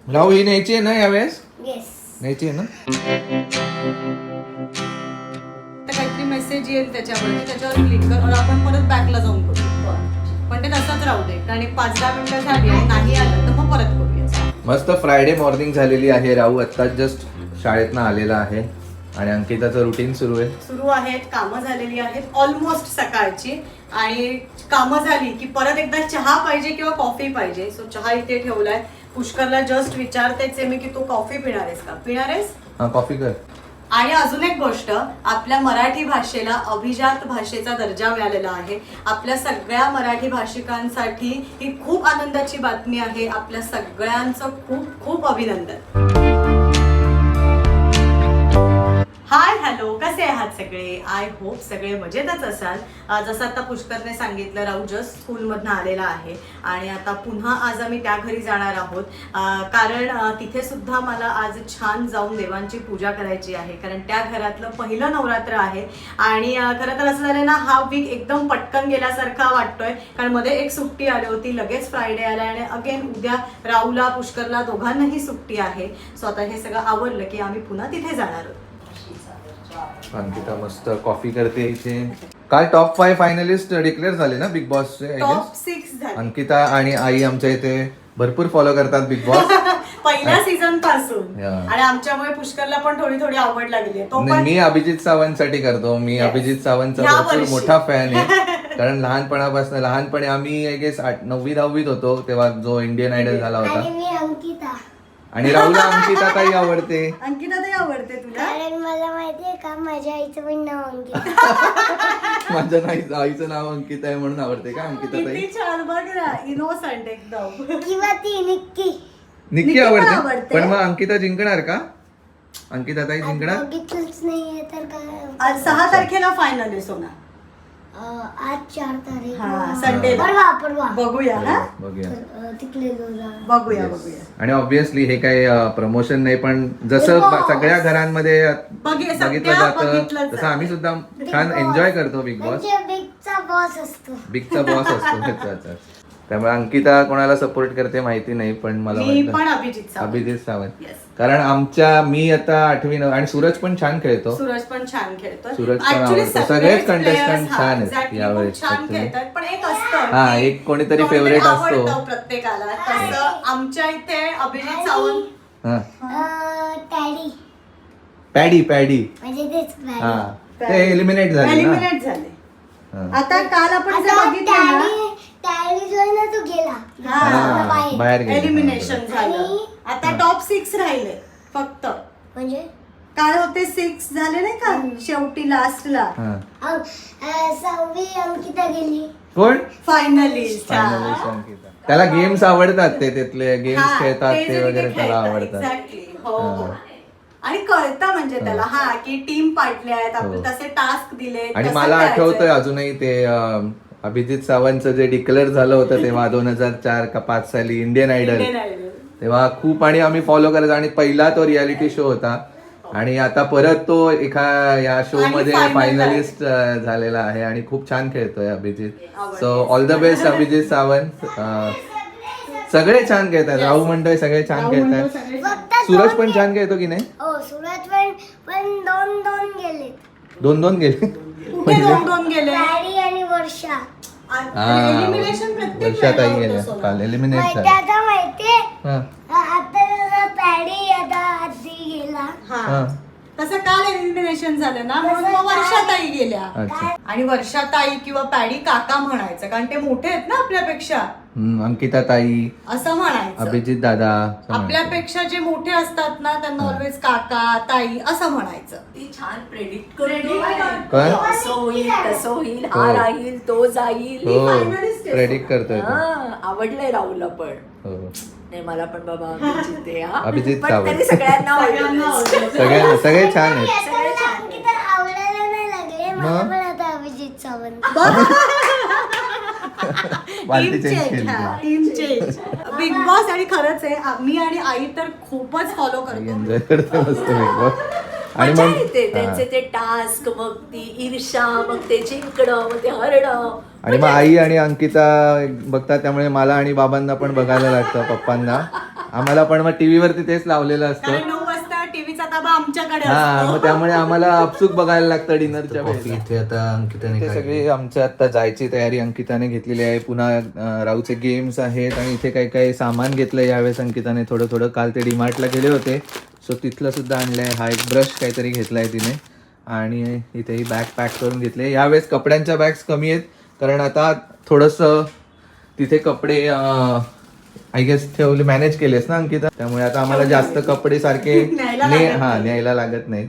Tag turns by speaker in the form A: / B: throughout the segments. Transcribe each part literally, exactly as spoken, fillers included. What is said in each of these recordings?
A: राहू ही न्यायची आहे ना यावेळेस?
B: येस.
A: न्यायची आहे ना?
C: काहीतरी मेसेज येईल त्याच्यावरती, त्याच्यावर क्लिक कर आणि आपण परत बॅकला जाऊन करू. पण ते तसंच राहू दे, कारण एक पाच दहा मिनिटं झाली आणि नाही आलं तर मग परत करूया.
A: मस्त फ्रायडे मॉर्निंग झालेली आहे. राहू आत्ताच जस्ट शाळेतनं आलेला आहे आणि अंकिताचं रुटीन सुरू आहे.
C: सुरू आहेत, कामं झालेली आहेत ऑलमोस्ट सकाळची, आणि कामं झाली की परत एकदा चहा पाहिजे किंवा कॉफी पाहिजे. सो चहा इथे ठेवलाय. पुष्करला जस्ट विचारतेच आहे मी की तू कॉफी पिणार आहेस का? पिणार आहेस?
A: हा, कॉफी कर.
C: आणि अजून एक गोष्ट, आपल्या मराठी भाषेला अभिजात भाषेचा दर्जा मिळालेला आहे. आपल्या सगळ्या मराठी भाषिकांसाठी ही खूप आनंदाची बातमी आहे. आपल्या सगळ्यांचं खूप खूप अभिनंदन. हाय हॅलो, कसे आहात सगळे? आय होप सगळे मजेतच असाल. जसं आता पुष्करने सांगितलं, राहू जस्ट स्कूलमधनं आलेला आहे आणि आता पुन्हा आज आम्ही त्या घरी जाणार आहोत, कारण तिथे सुद्धा मला आज छान जाऊन देवांची पूजा करायची आहे, कारण त्या घरातलं पहिलं नवरात्र आहे. आणि खरं तर असं झालं ना, हा वीक एकदम पटकन गेल्यासारखा वाटतोय, कारण मध्ये एक सुट्टी आली होती, लगेच फ्रायडे आला आणि अगेन उद्या राहूला पुष्करला दोघांनाही सुट्टी आहे. सो आता हे सगळं आवरलं की आम्ही पुन्हा तिथे जाणार आहोत.
A: अंकिता मस्त कॉफी करते इथे. काल टॉप फाय फायनलिस्ट डिक्लेअर झाले ना बिग बॉसचे?
C: टॉप सिक्स झाले.
A: अंकिता आणि आई आमच्या इथे भरपूर फॉलो करतात बिग बॉस
C: पहिल्या सीझन पासून.
A: या.
C: आणि आमच्यामुळे पुष्करला पण थोडी थोडी आवड लागली आहे. तो
A: नाही,
C: पण
A: मी अभिजित सावंत साठी करतो. मी
C: Yes.
A: अभिजित सावंतचा
C: ह्या
A: भरपूर
C: वर्षी.
A: मोठा फॅन आहे. कारण लहानपणापासून लहानपणी आम्ही आय गेस नववी दहावीत होतो तेव्हा जो इंडियन आयडल झाला
B: आणि
A: होता.
B: मी अंकिता.
A: आणि राहुला अंकिता ताई आवडते.
C: अंकिता ताई आवडते तुला?
B: कारण मला माहितीये का, माझ्या आईचं पण नाव अंकिता.
A: माझ्या नाही आईचं नाव अंकिता आहे म्हणून आवडते का अंकिता ताई?
C: किती छान, बघ ना, इनोसंट एकदम.
B: किंवा ती निक्की.
A: निक्की
C: निक्की पण
A: आवडते.
C: आवडते.
A: पण मग अंकिता जिंकणार का? अंकिता ताई जिंकणार?
B: बघितलंच नाहीये तर काय.
C: आज सहा तारखेला फायनल आहे सोना.
B: अं, आज चार तारीख.
C: हा, संडे.
B: परवा परवा.
C: बघूया ना,
A: बघूया.
B: तर, अं, तिकडे जाऊ.
C: बघूया
A: Yes.
C: बघूया.
A: आणि ऑब्विसली हे काही प्रमोशन नाही, पण जसं
B: Big
A: ब-
B: Boss.
A: सगळ्या घरांमध्ये
C: बघे-
A: बघितलं
C: सध्या
A: जातं
C: बघितलंच
A: तसं आम्ही
C: जातं.
A: सुद्धा
B: Big
A: छान
B: Boss.
A: एन्जॉय करतो बिग बॉस.
B: म्हणजे बिगचा बॉस असतो.
A: बिगचा बॉस असतो. अच्छा, अच्छा. त्यामुळे अंकिता कोणाला सपोर्ट करते माहिती नाही, पण मला
C: मी
A: वाटतं
C: पण अभिजित सावंत.
A: अभिजित सावंत.
C: Yes.
A: कारण आमच्या मी आता आठवी नव आणि सूरज पण छान खेळतो.
C: सूरज पण छान खेळतोय.
A: सूरज पण
C: Actually
A: आवडतो.
C: सगळेच
A: सगळेच
C: players,
A: contestant
C: हा,
A: छान आहेत
C: exactly,
A: यावेळेस
C: खूप छान
A: actually.
C: खेळतात. पण एक असतं
A: हा,
C: की
A: एक कोणीतरी
C: कोणीतरी
A: favorite असतो.
C: आवडतं प्रत्येकाला. तसं आमच्या इथे अभिजित सावंत.
A: हा,
B: अं, टॅडी
A: पॅडी पॅडी
B: म्हणजे तेच
A: हा
B: टॅडी.
A: ते एलिमिनेट झाले ना.
C: एलिमिनेट झाले.
A: हा.
C: आता काल आपण जे
B: आता
C: बघितलं ना,
B: टॅडी टॅडी जो आहे ना तो गेला.
C: हा,
B: आता बाहेर.
A: बाहेर गेले.
C: एलिमिनेशन झालं.
B: आणि-
C: आता टॉप सिक्स राहिले फक्त.
B: म्हणजे
C: काय होते, सिक्स झाले नाही का शेवटी लास्टला.
A: हा.
B: अं, अं, सहावी अंकिता गेली.
A: कोण?
C: फायनलिस्ट.
A: Finalist अंकिता. त्याला गेम्स आवडतात, ते तिथले गेम्स खेळतात ते वगैरे त्याला आवडतात.
C: एक्झॅक्टली. हो हो.
A: हा.
C: आणि कळतं म्हणजे त्याला, हा की टीम पाडले आहेत,
A: हो.
C: आपले तसे टास्क दिले.
A: आणि मला आठवतंय अजूनही ते अं, अभिजित सावंतचं जे डिक्लेअर झालं होतं तेव्हा दोन हजार चार का पाच साली इंडियन आयडल, तेव्हा खूप आणि आम्ही फॉलो करायचो आणि पहिला तो रियालिटी शो होता. आणि आता परत तो एका या शो
C: आणि
A: मध्ये
C: final
A: फायनलिस्ट झालेला आहे आणि खूप छान खेळतोय अभिजित.
C: आवडते.
A: So all the best Abhijit Sawant. अं, सगळे छान खेळतात. राहू म्हणतोय सगळे छान खेळतात.
B: फक्त
A: सूरज
B: दोन
A: पण
B: गे-
A: छान खेळतो की नाही?
B: हो, सूरज पण पण दोन दोन गेले.
A: दोन दोन गेले.
C: कुठे दोन दोन गेले.
B: टॅडी आणि वर्षा.
C: एलिमिनेशन प्रत्येक
A: वर्षात
C: वेळेला
A: आई
C: होतं
A: गेल्या
C: सोना.
A: काल एलिमिनेट
B: माहिती
A: झाले.
B: आता माहितीये,
A: हा.
B: आता जसा पॅडी आता आधी गेला.
C: हा.
A: हा.
C: तसं काल एलिमिनेशन झालं ना, म्हणून मग वर्षाताई गेल्या.
A: अच्छा.
C: आणि वर्षाताई किंवा पॅडी काका म्हणायचं, कारण ते मोठे आहेत ना आपल्यापेक्षा,
A: हम्म, अंकिता ताई,
C: असं म्हणायचं.
A: अभिजित दादा असं म्हणायचं.
C: आपल्यापेक्षा जे मोठे असतात ना त्यांना ऑलवेज काका ताई असं म्हणायचं.
D: ती छान प्रेडिक्ट करते.
A: काय?
D: असं होईल तसं होईल,
A: हो.
D: हा राहील तो जाईल.
A: हो
C: finalist आहे.
A: प्रेडिक्ट करतोय तो.
D: हा, आवडलंय राहुलला पण.
A: हो.
D: नाही, मला पण बाबा अभिजित आहे, हा.
A: अभिजित
D: पण
A: सावंत.
D: तरी सगळ्यांना
C: सगळ्यांना
D: आवडलं.
C: आवडलं.
A: सगळे सगळे छान आहेत.
B: आता अंकिता आवडायला नाही लागले. मला
A: मग?
B: पण आता अभिजित सावंत.
A: वालती
C: टीम
A: चेंज
C: चेंज.
A: केली.
C: हा, टीम चेंज. Big boss. आणि खरंच आहे, आ- मी आणि आई तर खूपच फॉलो करतो.
A: एन्जॉय करतो मस्त बिग बॉस. आणि
D: मजा
A: मग
D: येते
A: हा.
D: त्यांचे ते टास्क, मग ती ईर्षा, मग ते जिंकणं, मग ते हरणं.
A: आणि मग आई आणि अंकिता बघतात त्यामुळे मला आणि बाबांना पण बघायला लागतं, पप्पांना. आम्हाला पण मग टीव्ही वरती तेच लावलेलं असतं.
C: कारण नऊ वाजता टीव्हीचा ताबा आमच्याकडे
A: हा
C: असतो.
A: मग त्यामुळे आम्हाला अपसूक बघायला लागतं डिनरच्या
E: कॉफी
A: वेळेला.
E: इथे आता अंकिताने
A: इथे
E: काय
A: सगळी आमच्या आता जायची तयारी अंकिताने घेतलेली आहे. पुन्हा अं, राहूचे गेम्स आहेत आणि इथे काही काही सामान घेतलं यावेळेस अंकिताने थोडं थोडं. काल ते डीमार्टला गेले होते सो तिथलं सुद्धा आणलंय. हा एक ब्रश काहीतरी घेतलाय तिने आणि इथे ही बॅग पॅक करून घेतली. यावेळेस कपड्यांच्या बॅग्स कमी आहेत कारण आता थोडंसं तिथे कपडे आय गेस ठेवले मॅनेज केलेस ना अंकिता, त्यामुळे आता आम्हाला जास्त कपडे सारखे
C: न्यायला
A: ने-
C: लागत
A: हा
C: नाही.
A: न्यायला लागत नाहीत.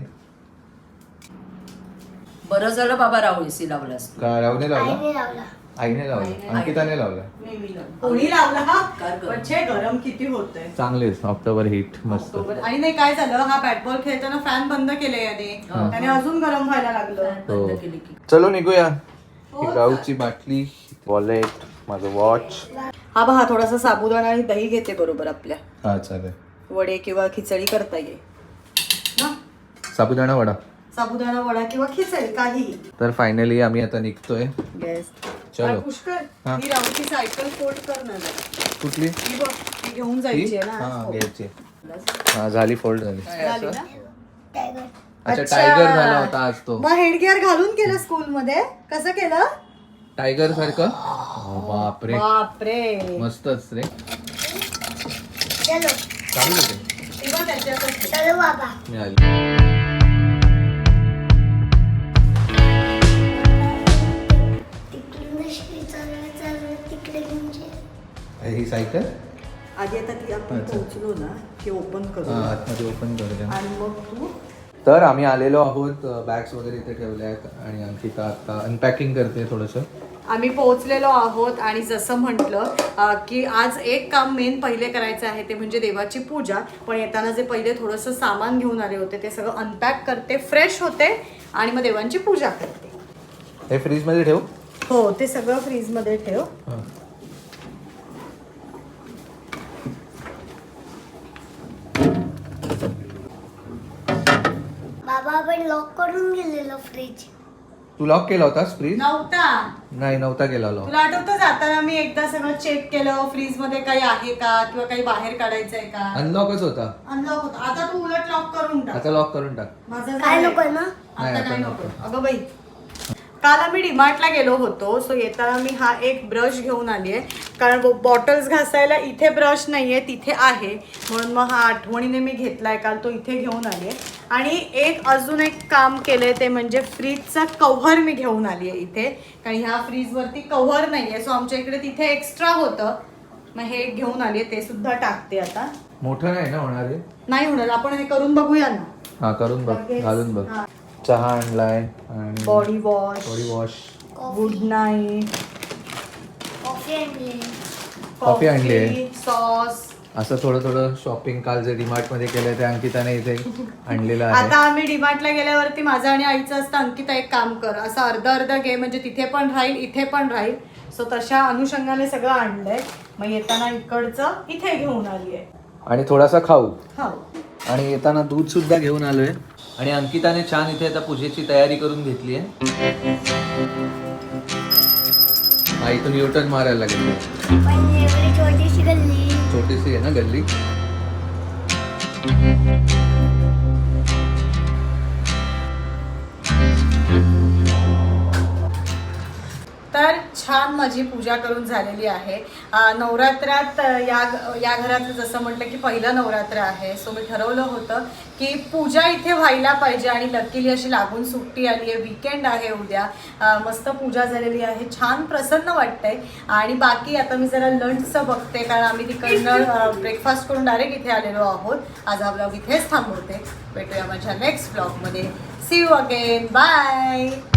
D: बरं झालं बाबा राहुलसी लावलास.
A: का रावने लावला?
B: आईने लावला.
A: आईने लावला, अंकिताने लावला.
C: कोणी लावला हा
D: काय गं?
C: म्हणजे गरम किती होतंय.
A: चांगले ऑक्टोबर हिट मस्त.
C: ऑक्टोबर. आणि नाही काय झालं, हा बॅट बॉल खेळताना फॅन बंद केले याने, त्याने अजून गरम व्हायला लागलं.
A: हो.
D: बंद केली की.
A: चलो निघूया. ही राऊची बाटली, वॉलेट, माझं वॉच.
C: हा बघा थोडासा साबुदाणा आणि दही घेते बरोबर आपल्या.
A: हा चालेल.
C: वडे किंवा खिचडी करता येईल ना.
A: साबुदाणा वडा.
C: साबुदाणा वडा किंवा खिचडी काही.
A: तर फायनली आम्ही आता निघतोय.
C: येस.
A: चलो.
C: पुष्कर
A: हा.
C: ही राऊची सायकल फोल्ड कर ना जरा.
A: कुठली?
C: ही बघ ही घेऊन
A: ही?
C: जायची आहे ना.
A: हा
C: हो.
A: घ्यायची. हा झाली, फोल्ड झाली.
C: झाली ना?
B: टायगर.
A: अच्छा
C: अच्छा.
A: टायगर झाला होता आज तो.
C: मग हेडगिअर घालून केलं स्कूल मध्ये, कसं केलं?
A: टायगर सारखं. हो, बापरे
C: बापरे.
A: मस्तच रे.
B: चलो
A: चालू होते.
C: ती बघ त्याच्यातच.
B: चलो बाबा.
A: मिळाली.
B: तिकडून जशी चालत चालत तिकडे घेऊन जे.
A: ही सायकल
C: आधी आता ती आपण
A: अच्छा.
C: पोहोचलो ना की ओपन करू
A: हा, आतमध्ये ओपन करूया.
C: आणि मग तू.
A: तर आम्ही आलेलो आहोत. बॅग्स वगैरे इथे ठेवल्या आहेत आणि अंकिता आता अनपॅकिंग करते थोडंसं.
C: आम्ही पोहोचलेलो आहोत आणि जसं म्हटलं अं, की आज एक काम मेन पहिले करायचं आहे ते म्हणजे देवाची पूजा. पण येताना जे पहिले थोडंसं सामान घेऊन आले होते ते सगळं अनपॅक करते, फ्रेश होते आणि मग देवांची पूजा करते.
A: हे फ्रीजमध्ये ठेव.
C: हो ते सगळं फ्रीजमध्ये ठेव.
A: हा.
B: बाबा आपण लॉक करून गेलेलो फ्रीज.
A: तू लॉक केला होतास फ्रीज?
C: नव्हता.
A: नाही नव्हता केला लॉक.
C: तुला आठवतं जाताना मी एकदा सगळं चेक केलं फ्रीज मध्ये काही आहे का किंवा काही बाहेर काढायचंय का.
A: अनलॉकच होता.
C: अनलॉक होतं. आता तू उलट लॉक करून टाक.
A: आता लॉक करून टाक.
C: माझं
B: काय
C: झालंय.
B: नको ना.
A: नाही,
C: आता
A: आता
C: काय
A: नको.
C: नको. अगं बाई काल आम्ही डीमार्टला गेलो होतो सो येताना मी हा एक ब्रश घेऊन आली आहे कारण बॉटल्स घासायला इथे ब्रश नाहीये तिथे आहे म्हणून मग हा आठवणीने मी घेतलाय काल तो इथे घेऊन आली आहे. आणि एक अजून एक काम केलंय ते म्हणजे फ्रीजचा कव्हर मी घेऊन आली आहे इथे कारण ह्या फ्रीजवरती कव्हर नाहीये सो आमच्या इकडे तिथे एक्स्ट्रा होतं मग हे घेऊन आली आहे ते सुद्धा टाकते आता.
A: मोठं नाही ना होणार हे?
C: नाही होणार आपण हे करून बघूया ना.
A: हा करून बघ,
C: लगेच.
A: घालून बघ.
C: हा.
A: चहा आणलाय आणि
C: body wash,
A: body wash,
C: good night,
B: coffee आणली.
A: कॉफी आणली आहे.
C: सॉस.
A: असं थोडं थोडं शॉपिंग काल जे डीमार्ट मध्ये केलंय ते अंकिताने इथे आणलेलं
C: आता
A: आहे.
C: आम्ही डीमार्टला गेल्यावरती माझं आणि आईचं असतं अंकिता एक काम कर असं अर्ध अर्ध घे म्हणजे तिथे पण राहील इथे पण राहील सो तशा अनुषंगाने सगळं आणलंय मग येताना इकडचं इथे घेऊन आली आहे.
A: आणि थोडासा खाऊ
C: हो
A: आणि येताना दूध सुद्धा घेऊन आलोय. आणि अंकिताने छान इथे आता पूजेची तयारी करून घेतली आहे. हा इथून युटर्न मारायला लागेल.
B: पण एवढी छोटीशी गल्ली.
A: छोटीशी आहे ना गल्ली.
C: तर छान माझी पूजा करून झालेली आहे. अं, नवरात्रात अं, या या घरात जसं म्हटलं की पहिलं नवरात्र आहे सो मी ठरवलं होतं की पूजा इथे व्हायला पाहिजे आणि लकीली अशी लागून सुट्टी आली आहे वीकेंड आहे उद्या. अं, मस्त पूजा झालेली आहे छान प्रसन्न वाटतंय. आणि बाकी आता मी जरा लंचचं बघते कारण आम्ही तिकडनं ब्रेकफास्ट करून डायरेक्ट इथे आलेलो आहोत. आज हा ब्लॉग इथेच थांबवते. भेटूया माझ्या नेक्स्ट ब्लॉगमध्ये. See you again. बाय.